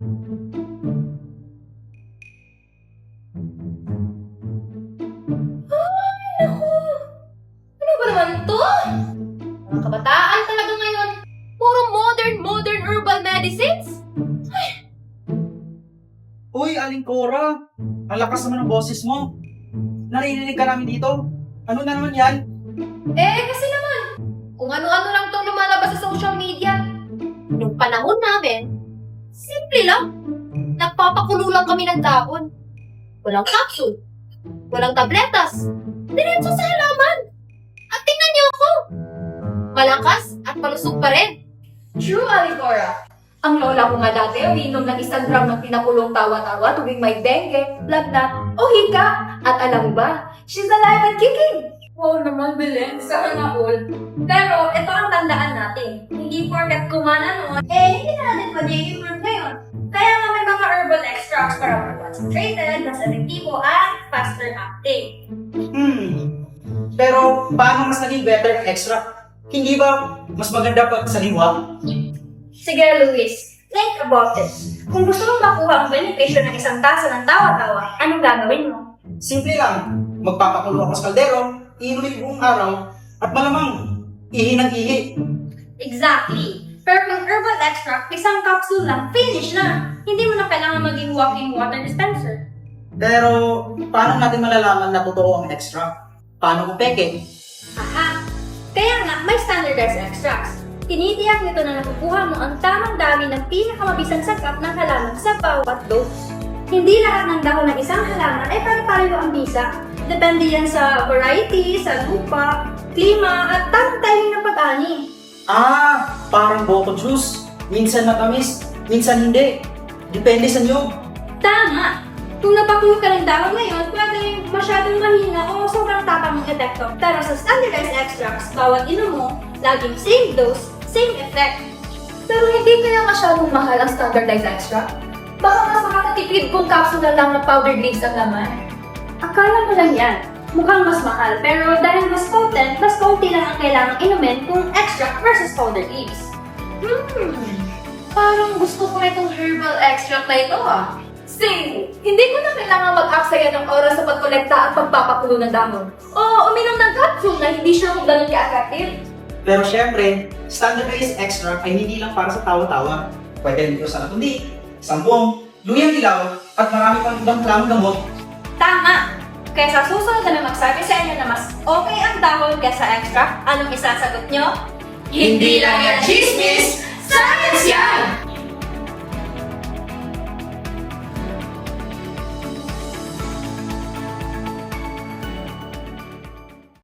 Naku! Ano ba naman to? Mga kabataan talaga ngayon. Puro modern herbal medicines. Uy, Aling Cora! Ang lakas naman ng boses mo. Naririnig ka namin dito. Ano na naman yan? Kasi naman, kung ano-ano lang itong lumalabas sa social media. Nung panahon namin, simple lang. Nagpapakulo lang kami ng dahon. Walang capsule. Walang tabletas. Diretso sa halaman. At tingnan niyo ako. Malakas at malusog pa rin. True, Alicora. Ang lola ko nga dati, uminom ng 1 gram ng pinakulong tawa-tawa tuwing may dengue, lagnat, o hika. At alam mo ba, she's alive and kicking. Wow naman, Belen. Sana all. Pero, ito ang tandaan natin. Hindi porket kumana noon, hindi na natin pwede i-improve ngayon. Kaya nga may mga herbal extracts para more concentrated, mas epektibo, at faster acting. Pero paano mas naging better extra? Hindi ba mas maganda pag saliwa? Sige, Luis. Think about this. Kung gusto mong makuha ang benepisyo ng isang tasa ng tawa-tawa, anong gagawin mo? Simple lang. Magpapakulo ako sa kaldero, iinumin buong araw, at malamang ihi ng ihi. Exactly. Pero kung herbal extract, isang capsule lang, finish na. Hindi mo na kailangan maging walking water dispenser. Pero paano natin malalaman na totoo ang extra? Paano kung peke? Aha! Kaya nga, may standardized extracts. Tinitiyak nito na nakukuha mo ang tamang dami ng pinakamabisang sakap ng halaman sa bawat dose. Hindi lahat ng dahon ng isang halaman ay pare-pareho ang bisa. Depende yan sa variety, sa lupa, klima, at tamang timing ng pag-ani. Parang boko juice. Minsan matamis, minsan hindi. Depende sa niyog. Tama! Kung napakulo ka ng dahon ngayon, pwede masyadong mahina o sobrang tapang ng epekto. Pero sa standardized extracts, bawat inom mo, laging same dose, same effect. Pero hindi kaya masyadong mahal ang standardized extract? Baka mas makakatipid kung capsule na lang na powdered leaves ang laman. Akala mo lang yan. Mukhang mas mahal, pero dahil mas potent, mas kaunti lang ang kailangang inumin kung extract versus powdered leaves. Parang gusto ko itong herbal extract na ito Same! Hindi ko na kailangan mag-aksaya ng oras sa pagkolekta at pagpapakulo ng dahon. O uminom ng capsule na hindi siya kung ganun ka-attractive. Pero syempre, standardized extract ay hindi lang para sa tawa-tawa. Pwede rin ito sa natundi, sampung, luyang ilaw, at marami pang ibang klamang gamot. Tama! Kaya sa susunod na magsabi sa inyo na mas okay ang dahon kaysa extract, anong isasagot nyo? Hindi lang yan chismis!